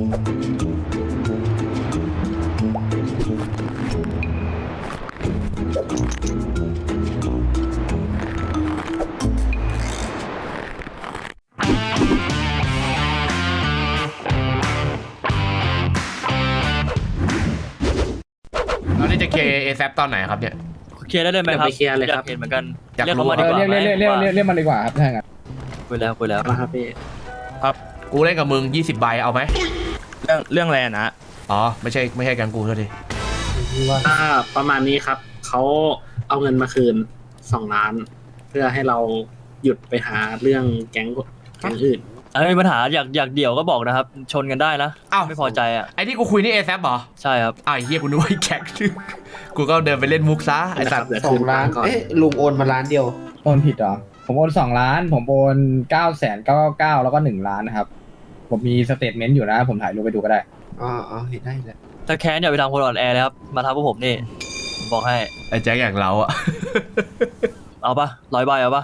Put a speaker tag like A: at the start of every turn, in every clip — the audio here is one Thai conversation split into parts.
A: เราจะเคลียร์เอแซตอนไหนครับเนี่ย
B: เคลียร์ได้เลยไหมครับ
C: เคลียร์เลยครับ
B: เห็นเหมือนกัน
A: อยาก
B: เรียก
A: รู้
B: เขามาดีกว่า
D: เรียกมันดีกว่าครับถ้างั้น
B: คุยแล้ว
C: นะครับพี่
A: กูเล่นกับมึง20ใบเอาไหม
E: เรื่องอะไรนะ
A: อ๋อไม่ใช่แกงกูเท่าที
C: ประมาณนี้ครับเขาเอาเงินมาคืน2 ล้าน เพื่อให้เราหยุดไปหาเรื่องแก๊งอื่น
B: มีปัญหาอยากเดี่ยวก็บอกนะครับ ชนกันได้นะ
A: อ้าว
B: ไม่พอใจอ่ะ
A: ไอ้ที่กูคุยนี่เอแซเหรอ
B: ใช่ครับ
A: อ้าวไอ้เฮียกูนึกว่าไอ้แก๊งกูก็เดินไปเล่นมุกซะไอ้สัตว์
C: เดี๋ยว
F: สอ
C: คื
F: ง
C: น
F: ล้าน
C: ก่อน
F: เอ๊ะลุงโอนมาล้านเดียว
D: โอนผิดเหรอผมโอน2 ล้านผมโอน9,999แล้วก็1 ล้านนะครับผมมีสเตทเมนต์อยู่นะผมถ่ายรูปไปดูก็ได้
F: อ๋อเห็นได้แล้ว
B: ถ้าแค้นอย่าไปทำคนอ่อนแอเลยครับ มาทำพวกผมนี่ผมบอกให้
A: ไอ้แจ็คอย่างเราอะ
B: เอาปะ100 ใบเอาปะ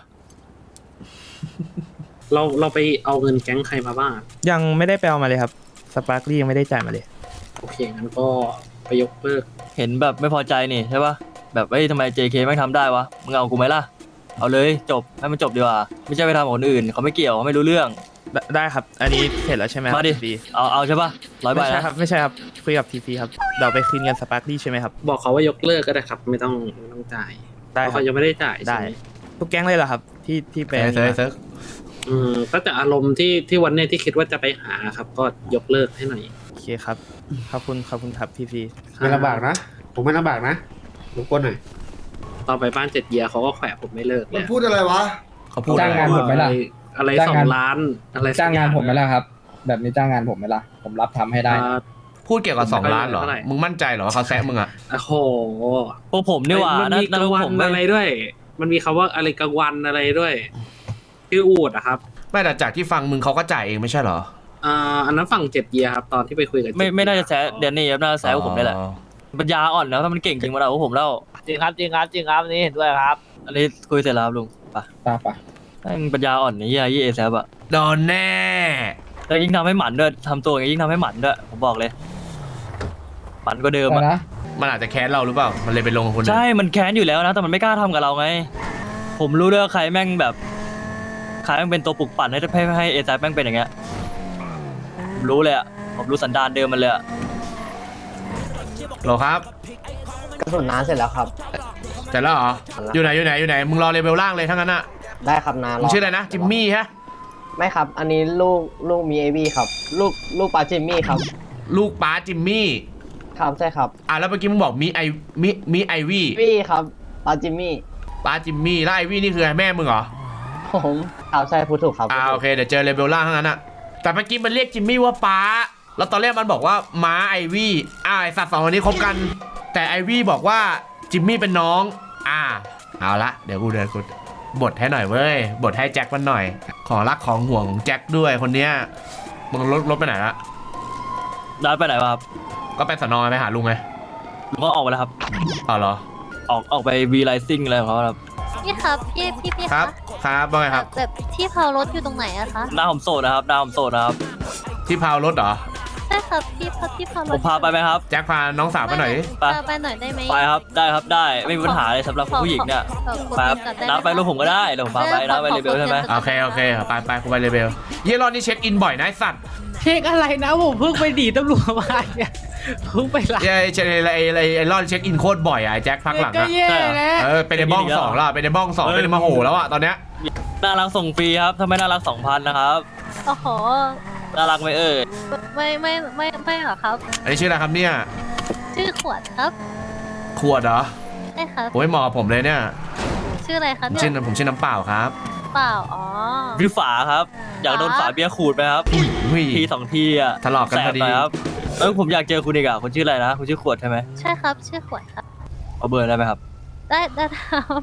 C: เราไปเอาเงินแก๊งใครมาบ้าง
E: ยังไม่ได้ไปเอามาเลยครับสปาร์คลี่ยังไม่ได้จ่ายมาเลย
C: โอเคงั้นก็ไปยกเลิก
B: เห็นแบบไม่พอใจนี่ใช่ปะแบบทำไม JK ไม่ทำได้วะมึงเอากูไหมล่ะเอาเลยจบให้มันจบดีกว่าไม่ใช่ไปทำกับคนอื่นเขาไม่เกี่ยวเขาไม่รู้เรื่อง
E: ได้ครับ อันนี้เสร็จแล้วใช่ไหมครับ
B: มาดิ
E: ที
B: เอาใช่ปะ100 ใบ
E: ไม่ใช่
B: นะครับ
E: ไม่ใช่ครับคุยกับทีพีครับเราไปคืนเงินสปาร์คลี่ใช่ไหมครับ
C: บอกเขาว่ายกเลิกก็ได้ครับ ไม่ต้องจ่าย
E: ได้
C: เพราะ
E: ครับ
C: เขายังไม่ได้จ่าย
E: ได้
C: ใช่ไหม
E: ทุกแก๊งเลยเหรอครับที่ไป
A: เซิร์ฟ
C: ก็จะอารมณ์ที่วันเนี้ยที่คิดว่าจะไปหาครับ ก็ยกเลิกให้หน่อย
E: โอเคครับขอบคุณครับทีพี
F: ไม่ลำบากนะ ผมไม่ลำบากนะรบกวนหน่อย
C: ต่อไปบ้าน7 เยียเขาก็แขวะผมไม่เลิก
G: มัน
C: แล้ว
G: พูดอะไรวะ
A: เขาพูด
D: จ้างงานผมไหมล่ะ
C: อะไร
D: จ้างงาน
C: 2 ล้านอะไรสัก
D: จ้างงานผมไหม
C: อย่
D: ล่ะครับ แบบนี้จ้างงานผมไหมล่ะผมรับทำให้ได้นะ
A: พูดเกี่ยวกับ2 ล้านเหรอ
C: เท่าไหร่
A: มึงมั่นใจเหรอว่าเขาแซะมึงอะ
C: โอ้โห
B: พวกผมนี่หว่า
C: มันมีกลางวัน
B: ผม
C: อะไรด้วย มันมีคำว่าอะไรกลางวันอะไรด้วยชื่ออูดอะครับ
A: ไม่แต่จากที่ฟังมึงเขาก็จ่ายเองไม่ใช่เหรอ
C: อันนั้นฝั่ง7 เยียครับตอนที่ไปคุยกับ
B: ไม่น่าจะแซะเดนนี่ครับน่าจะแซะพวกผมนี่แหละ
A: อ๋อ
B: ปัญญาอ่อนแล้วถ้ามันเก่งจริงมาเอาพวกผมแล้ว
H: จริงครับนี่เห็นด้วยครับ
B: อันนี้คุยเสร็จแล้วครับลุงไป
D: ป่ะ
B: มันปัญญาอ่อนนี่ยี่เอแซบอะ
A: โดนแน่
B: แล้วยิ่งทำให้หมันด้วยทำตัวอย่างนี้ยิ่งทำให้หมันด้วยผมบอกเลยหมันก็เดิม
D: ไป
B: อะ
D: นะ
A: มันอาจจะแค้นเราหรือเปล่ามันเลยไปลงกับคนอื่น
B: ใช่มันแค้นอยู่แล้วนะแต่มันไม่กล้าทำกับเราไง ผมรู้ด้วยว่าใครแม่งแบบใครแม่งเป็นตัวปลุกปั่นให้เอแซบแม่งเป็นอย่างเงี้ยผมรู้เลยอะผมรู้สันดานเดิมมันเลยอะ
A: โหลครับ
H: กระสุนน้ำเสร็จแล้วครับ
A: เสร็จแล้วเหรออยู่ไหนมึงรอเลเวลล่างเลยทั้งนั้นอะ
H: ได้ครับนา
A: มึงชื่ออะไรนะจิมมี่ฮะ
H: ไม่ครับ อันนี้ลูกมีเอวีครับ ลูกปลาจิมมี่ครับ
A: ลูกป้าจิมมี่
H: ครับใช่ครับ
A: แล้วเมื่อกี้มึงบอกมีไอวี่
H: วี่ครับปลาจิมมี่
A: ป้าจิมมี่แล้วไอวี่นี่คือแม่มึงเหรอ
H: ผมครับใช่พูดถูกครับ
A: โอเคเดี๋ยวเจอเลเวลล่างทั้งนั้นอะแต่เมื่อกี้มันเรียกจิมมี่ว่าป้าแล้วตอนแรกมันบอกว่าม้าไอวี่ไอสัตว์2คนนี้คบกัน แต่ไอวี่บอกว่าจิมมี่เป็นน้องเอาละเดี๋ยวกูบทให้หน่อยเว้ยบทให้แจ็คมันหน่อยขอรักของห่วงของแจ็คด้วยคนเนี้ยมึงรถไปไหนละ
B: ได้ไปไหนวะครับ
A: ก็ไปสนไปหาลุงไง
B: ลุงก็ออกไปแล้วครับ
A: เหรอ
B: ออกไปวีไลซิ่งอะไรของเขาครับ
I: พี่ครับพี่
A: ครั
I: คะ
A: บครับว่าไงครับ
I: แบบที่เผารถอยู่ตรงไหนอะคะ
B: หน้าผมโสดนะครับหน้าผมโสดนะครับ
A: ที่พาวรถเหรอ
I: ใช่ครับที่เผาร
B: ผ
I: ถ
B: มพาไปไหมครับ
A: แจ็คพาน้องสาวไปหน่อยดิ
B: ไป
I: ไปหน่อยได้ไหม
B: ไปครับได้ครับได้ไม่มีปัญหาเลยสำหรับผู้หญิงเนี่ย
I: ขอ
B: ไปครับ
I: ก่อนด้หม
B: น้าไปรถผมก็ได้เดี๋ยวผมพาไปน้าไปเรเบลใช่ไหม
A: โอเคไปกูไปเลเวลเยลอนนี่เช็คอินบ่อยนะไอ้สัตว์
H: เช็คอะไรนะผมเพิ่งไปดีตำรวจมาเนี่ยเพิ่งไปรับ
A: ไอ้ลอนเช็คอินโคตรบ่อยอะไอ้แจ็คพักหลัง
H: ก็
A: อะ
H: แย่แล้ว
A: เป็นในบ้อง2แล้วเป็นในบ้อง2เป็นในมาโหแล้วอะตอนเนี้ย
B: น่ารักส่งฟรีครับถ้าไม่น่ารัก 2,000นะครับ
I: โอ้โห
B: น่ารักไหมเอ่ย
I: ไม่หรอกครับ
A: อันนี้ชื่ออะไรครับเนี่ย
I: ชื่อขวดครับ
A: ขวดเหรอ
I: ใช่ครับ
A: โอ้ยเหมาะกับผมเลยเนี่ย
I: ชื่ออะไรครับเนี่ย
A: ผมชื่อน้ำเปล่าครับ
I: เปล่า
B: พี่ฝาครับ อยากโดนฝาเบียร์ขูดไหมครับ
A: อุ้ย
B: ที2 ทีอ่ะ
A: ทะเลาะกันพอดี
B: แสบหน่ยครับผมอยากเจอคุณอีกอ่ะคุณชื่ออะไรนะคุณชื่อขวดใช่ไหม
I: ใช่ครับชื่อขวดครับ
B: เอาเบอร์ได้ไหมครับ
I: ได้ครับ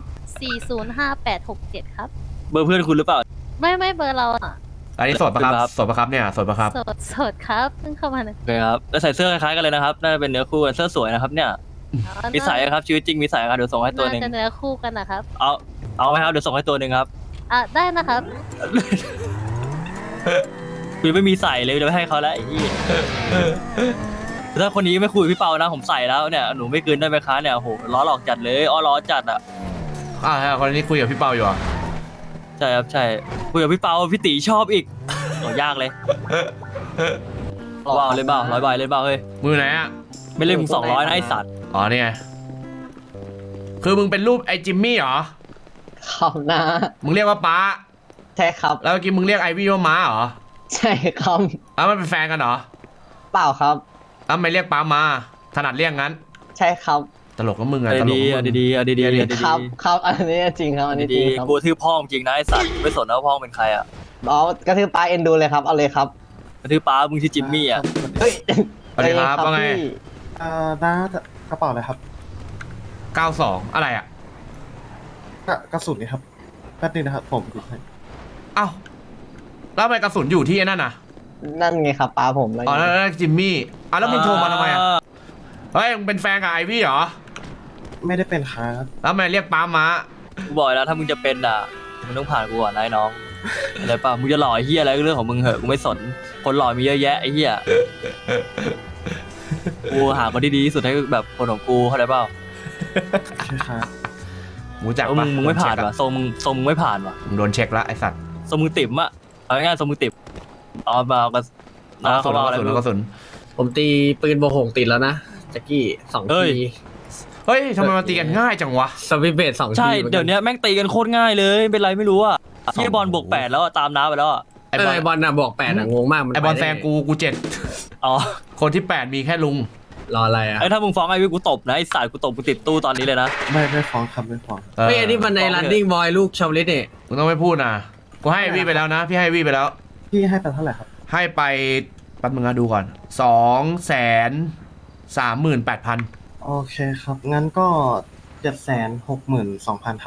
I: 405867ครับ
B: เบอร์เพื่อนคุณหรือเปล่า
I: ไม่เบอร์เราอะ
A: อันนี้สดปะครับ
B: ครับ
A: สดปะครับเนี่ยสดปะครับ
I: สดครับเพิ่งเข้ามาเนี่ย
B: โอเคครับแล้วใส่เสื้อคล้ายๆกันเลยนะครับน่าจะเป็นเนื้อคู่กันเสื้อสวยนะครับเนี่ยมีสายครับชีวิตจริงมีสายครับเดี๋ยวส่งให้ตัวหนึ่ง
I: น่าจะเนื้อคู่กันนะครับ
B: เอาไหมครับเดี๋ยวส่งให้ตัวหนึ่งครับ
I: ได้นะครับ
B: กูยังไม่มีใส่เลยจะไม่ให้เขาแล้วไอ้ที่ถ้าคนนี้ไม่คุยกับพี่เปานะผมใส่แล้วเนี่ยหนูไม่คืนได้ไหมคะเนี่ยโหล้อหลอกจัดเลยอ้อล้อจัดอ่ะ
A: คนนี้คุยกับพี่เปาอยู่เหรอ
B: ใช่ครับใช่คุยกับพี่เปาพี่ตีชอบอีกโหยากเลยว้าวเลยเปล่า100 ใบเลยเปล่าเฮ้ย
A: มือไหนอ่ะ
B: ไม่เล่นมึง200นะไอสัตว์
A: อ๋อนี่ไงคือมึงเป็นรูปไอ้จิมมี่เหรอ
H: ครับนะ
A: มึงเรียกว่าป้า
H: ใช่ครับ
A: แล้วเมื่อกี้มึงเรียกไอวี่ว่าม้าเหรอ
H: ใช่ครับ
A: แล้วมันเป็นแฟนกันเหรอ
H: เปล่าครับ
A: แล้วไม่เรียกป้ามาถนัดเรียกงั้น
H: ใช่ครับ
A: ตลกก็มึงอะ
B: เอา
A: ตลก
B: ดี
A: ก็
B: ๆเอา
A: มึง
B: ดีๆเอาดีๆเอาดี
H: ครับครับอันนี้จริงครับอันนี้จริง
B: ๆ
H: ครับ
B: กูทื่อพ่อจริงนะไอสัตว์ไม่สนนะว่าพ่อเป็นใครอ่ะ
H: อ๋อกระทืบปลาเอ็นดูเลยครับเอาเลยครับ
B: กระทื่อป้ามึงชื่อจิมมี่อ่ะ
H: เฮ้ย
A: สวัสดีครับว่าไง
H: พี่
G: น้ากระเป๋าอะไรครับ
A: 92อะไรอ่ะ
G: กระสุนนี่ครับแป๊บนึงนะครับผมดูให้
A: เอ้าแล้วทำไมกระสุนอยู่ที่ไอ้นั่นน่ะ
H: นั่นไงครับปลาผมอะไร
A: อ๋อนั่นจิมมี่แล้วมึงโทรมาทำไมอ่ะเฮ้ยมึงเป็นแฟนกับไอวี่เหรอ
G: ไม่ได้เป็นครับ
A: แล้วทำไมเรียกป้ามา
B: กูบอกแล้วถ้ามึงจะเป็นอ่ะมึงต้องผ่านกูก่อนนะไอ้น้องอะไรป่ะมึงจะหล่อไอ้เฮียอะไรก็เรื่องของมึงเหอะกูไม่สนคนหล่อมีเยอะแยะไอ้เฮียกูหาคนที่ดีที่สุดให้แบบคนของกูเข้าใจเปล่า
G: ใช่ครับ
A: รู้จัก
B: เออ
A: ปะ
B: มึงไม่ผ่าน
A: โดเช็ค
B: ว่ะทรงมึงไม่ผ่านว่ะ
A: มึงโดนเช็คแล้วไอสัตว์
B: ทรงมึงติ่มอ่ะเอาง่ายๆทรงมึงติ่มเอามาเอากัน
A: เอากระสุน
B: เอา
A: เอา
B: อะไร
A: กระสุน
B: ไม่
A: เอา
B: รู้
A: กระสุน
C: ผมตีปืนโบหกติดแล้วนะแจ็คกี้2
B: เฮ้ย
C: ที
A: เฮ้ยทำไมมาตีกันง่ายจังวะ
C: สวิตเบส2ที
B: ใช่
C: หมือกั
B: เดี๋ยวนี้แม่งตีกันโคตรง่ายเลยเป็นไรไม่รู้อ่ะเฮียบอลบวก8แล้วอะตามน้าไปแล้วอ่ะ
A: ไอบอล
C: ไอบอลน่ะบอก8อ่ะงงมากมัน
A: ไอบอล
C: ไป
A: แซ
C: ได้
A: ง
C: ไ
A: กูเจ็ด
B: อ๋อ
A: คนที่ 8 มีแค่ลุง
C: รออะไรอ่ะ
B: ไอ้ถ้ามึงฟ้องไอ้วิกูตบนะไอ้สายกูตบกูติดตู้ตอนนี้เลยนะ
G: ไม่ฟ้องครับไม่ฟ้อง
C: เฮ้ยอันนี้มันใน running boy ลูกชาวลิตเนี่ย
A: มึงต้องไม่พูดนะกูให้ไอวี่ไปแล้วนะ พี่ให้ไอวี่ไปแล้ว
G: พี่ให้ไปเท่าไหร่ครับ
A: ให้ไปแป๊บมึงนะดูก่อน 238,000
G: โอเคครับ งั้นก็ 762,000 ครับ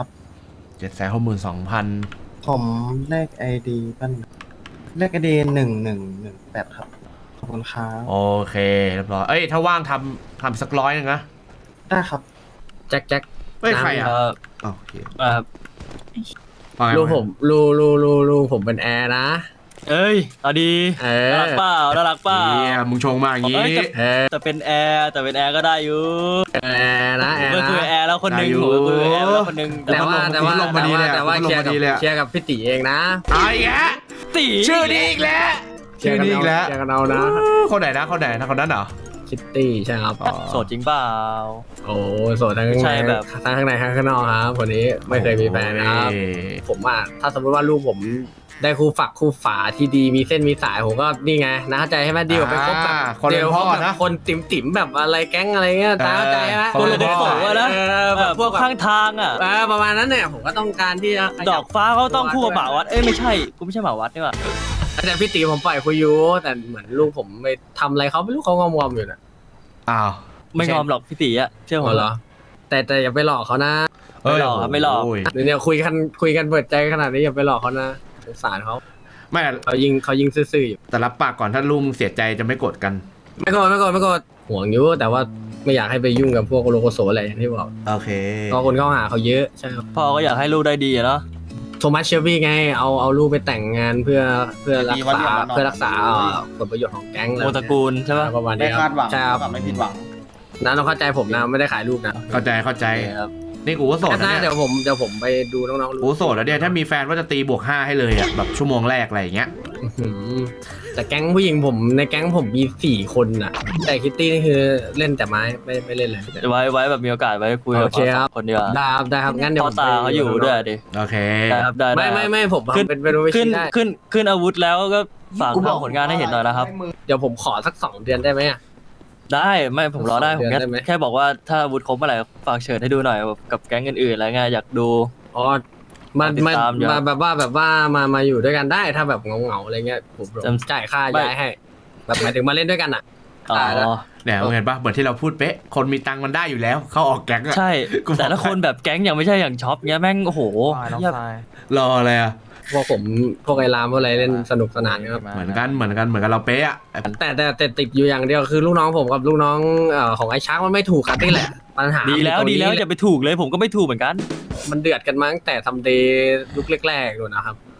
A: 762,000
G: ผมเลข ID ปั้นเลข ID 1118 ครับ ขอบคุณครับ
A: โอเคเรียบร้อยเอ้ยถ้าว่างทำสัก100นึงนะ
G: ได้ครับ
C: แจ็ค
A: เฮ้ยใครอ่ะ
B: เออ
A: อ๋อโอเค
B: ครับ
A: ว่าไง
C: ลูกผมลูกผมเป็นแอร์นะ
B: เอ้ยเอาดี
C: เอ
B: น่า
C: อ
B: รักเปล่าน่ารักเปล่า
A: เฮียมึงชงมาอย่างงี้
B: เอ้ย
C: เออ
B: แต่เป็นแอร์ก็ได้อยู่
C: แอร์นะแอ
B: ผม
C: ร์
B: ก็คุย
C: นะ
B: กับแอร์แล้วคนหนึง
A: ได้อยู่
B: ผมก็คุยกับแอร์แล้วคนหนึง
C: แต่ว่า
A: ลงมาดีเลยอะ
C: แต่ว่า
A: ลง
C: เคลีย
A: มา
C: ร์กับ
A: ดีเลยอะ
C: เคลียร์กับพี่ตีเองนะ
A: เอาอีกแล้ว
B: ตี
A: ชื่อนี้อีกแล้ว ชื่อนี้อีกแล้ว
C: เคลียร์กันเอานะ
A: คนไหนนะคนนั้นเหรอ
C: คิตตี้ใช่ครับ
A: อ๋อ
B: โสดจริงเปล่า
C: โอ้โสดทั้ง
B: ใช่แบบ
C: ทั้งข้างในทั้งข้างนอกครับคนนี้ไม่เคยมีแฟนนะครับ
A: โอ้ย
C: ผมว่าถ้าสมมติว่าลูกผมได้คู่ฝักคู่ฝาที่ดีมีเส้นมีสายผมก็นี่ไงนะเข้าใจใช่ไหมดีกว่าไปคบแบบ
A: คนเป็นพ่อ
C: แบบ
A: นะ
C: คนติ๋มๆแบบอะไรแก๊งอะไรเงี้ยตาเข้าใจไหม
A: คนเป็นพ่อ
B: นะ
C: แบบพวก
B: ข้างทางอ่ะ
C: ประมาณนั้นเนี่ยผมก็ต้องการที่จะขยับ
B: ดอกฟ้าเขาต้องคู่กับหมาวัดเอ้ยไม่ใช่กูไม่ใช่หมาวัดนี่หว่า
C: แต่พี่ตีผมปล่อยคุยอยู่แต่เหมือนลูกผมไปทำอะไรเขาไม่รู้เขางอมๆอยู่น่ะ
A: อ้าว
B: ไม่งอมหรอกพี่ตีอะเชื่อผม
C: เหรอแต่อย่าไปหลอกเขานะ
B: ไม่หลอกครับไม่หลอก
A: โย
C: เดี๋ยวเนี่ยคุยกันเปิดใจขนาดนี้อย่าไปหลอกเขานะสงสารเขา
A: ไม่
C: เขายิงซื่อๆอยู่
A: แต่รับปากก่อนถ้าลุงเสียใจจะไม่กดกัน
C: ไม่โกรธห่วงอยู่แต่ว่าไม่อยากให้ไปยุ่งกับพวกโลโกโซอะไรอย่างที่บอก
A: โอเค
C: ก็คนเข้าหาเขาเยอะใช่ครับ
B: พ่อก็อยากให้ลูกได้ดีอะเนาะ
C: โทมัสเชลบี้ไงเอาลูกไปแต่งงานเพื่อรักษาผลประโยชน์ของแก๊ง
B: โมตระกูลใช่ปะ
C: ประมาณนี้ครับใช่ครับ
G: ไม่ผิดหวัง
C: นะต้องเข้าใจผมนะไม่ได้ขายลูกนะ
A: เข้าใจ
B: ครับ
A: นี่กูก็โสด
C: ก็
A: นะ
C: ได้
A: เนี่ย
C: เดี๋ยวผมไปดูน้องๆ
A: กูโสดแล้วเนี่ยถ้ามีแฟนว่าจะตีบวก 5ให้เลยอ่ะแบบชั่วโมงแรกอะไรอย่างเงี้ย
C: อื้อหือแต่แก๊งผู้หญิงผมในแก๊งผมมี4 คนน่ะ แต่คิตตี้นี่คือเล่นแต่ไม้ไม่เล่นเลย
B: ไว้แบบมีโอกาสไว้คุยกับ
C: โอเคครับ
B: คนเดียวา
C: ได้ครับงั้นเดี๋ยว
B: พ่อตาเขาอยู่ด้วยดิ
A: โอเค
B: ได้ครับได้
C: ไม่ผม
B: ขึ้น
C: เป็นรูป
B: ขึ้น
C: ได้
B: ขึ้นอาวุธแล้วก็ฝากทำผลงานให้เห็นหน่อยนะครับ
C: เดี๋ยวผมขอสัก2 เดือนได้ไหมอะ
B: ได้ไม่ผมรอได้ผม
C: เดือนได้ไหม
B: แค่บอกว่าถ้าอาวุธครบเมื่อไหร่ฝากเชิญให้ดูหน่อยแบบกับแก๊งอื่นๆอะไรเงี้ยอยากดู
C: อ๋อมา
B: ติดตามอยู่
C: แบบว่ามาอยู่ด้วยกันได้ถ้าแบบเงาๆอะไรเงี้ยผม
B: จำ
C: จ่ายค่าย้ายให้แบบหมายถึงมาเล่นด้วยกันอ่ะ
B: อ๋
C: ได้แล้ว
B: อ
A: เนี่ยมึงเห็นปะเหมือนที่เราพูดเป๊ะ คนมีตังค์มันได้อยู่แล้ว เขาออกแก๊งอะ
B: ใช่
A: กูบอก
B: แต่ละคนแบบแก๊งยังไม่ใช่อย่างช็อปเงี้ยแม่งโอ้โหเหี้ย
A: รออะไรอ่ะ
C: พวกผมพวกไอ้รามพวกอะไรเล่นสนุกสนานครับ
A: เหมือนกันเราเป๊ะอ่ะ
C: แต่ติดอยู่อย่างเดียวคือลูกน้องผมกับลูกน้องของไอ้ช้างมันไม่ถูกกันนี่แหละปัญหา
B: ดีแล้ว
C: มัน
B: ดี
C: อยู่ตรงนี้
B: แล้วอย่าไปถูกเลยผมก็ไม่ถูกเหมือนกัน
C: มันเดือดกันมาตั้งแต่ทำเดย์ยุคแรกๆเลยนะครับ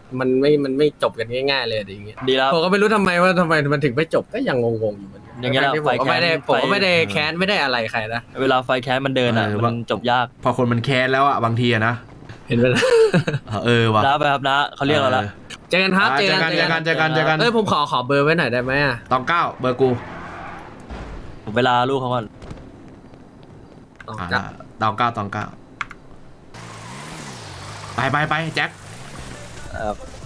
J: มันไม่จบกันง่ายๆเลยอย่างเงี้ย
B: ดีแล้ว
J: ผมก็ไม่รู้ทำไมมันถึงไม่จบก็ยังงงๆอยู่เหมือนกัน
B: อย่างเงี้ยแหละ
J: ที่ผมก็ไม่ได้
B: ไฟแค้น
J: ผมก็ไม่ได้แค้นไม่ได้อะไรใครนะ
B: เวลาไฟแค้นมันเดินอ่ะมันจบยาก
A: พอคนมันแค้นแล้วอ่ะบางทีอะนะ
J: เห็นไหมล่ะ
A: ว่ะ
B: นะไปครับนะเขาเรียกเราละ
J: เจอกันครับ
A: เจอกันเจอกัน
J: ผมขอเบอร์ไว้หน่อยได้ไหมอ่ะ
A: ตองเก้าเบอร์กู
B: ผมเวลาลูกเขาก่อน
J: อ๋อ
A: ตองเก้าไปแจ็ค
B: ครับ